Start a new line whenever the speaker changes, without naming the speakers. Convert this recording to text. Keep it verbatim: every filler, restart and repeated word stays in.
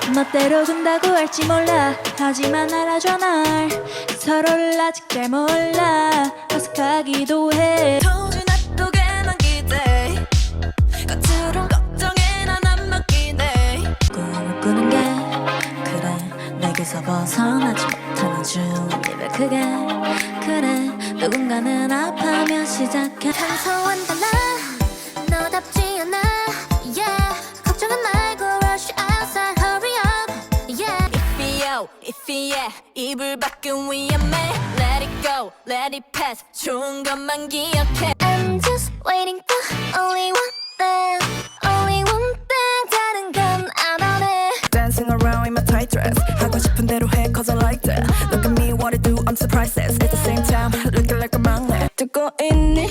멋대로 군다고 할지 몰라. 하지만 알아줘 날. 서로를 아직 잘 몰라. 어색하기도 해.
Told you not to get 난 기대. 겉으론 걱정해 난 안 맡기네.
꿈을 꾸는 게 그래. 내게서 벗어나지 못하는 준비를 크게. 그래 누군가는 아파하며 시작해.
평소와는 달라 너답지 않아 yeah. 걱정은 말고 rush outside hurry up yeah.
Iffy-yo, iffy-yeah. 이불 밖은 위험해. Let it go, let it pass. 좋은 것만 기억해.
I'm just waiting for only one thing only one thing 다른 건 안 원해
Dancing around in my tight dress 하고 싶은 대로 해 cause I like that Look at me what I do I'm surprised at the same time looking like a magnet 듣고 있니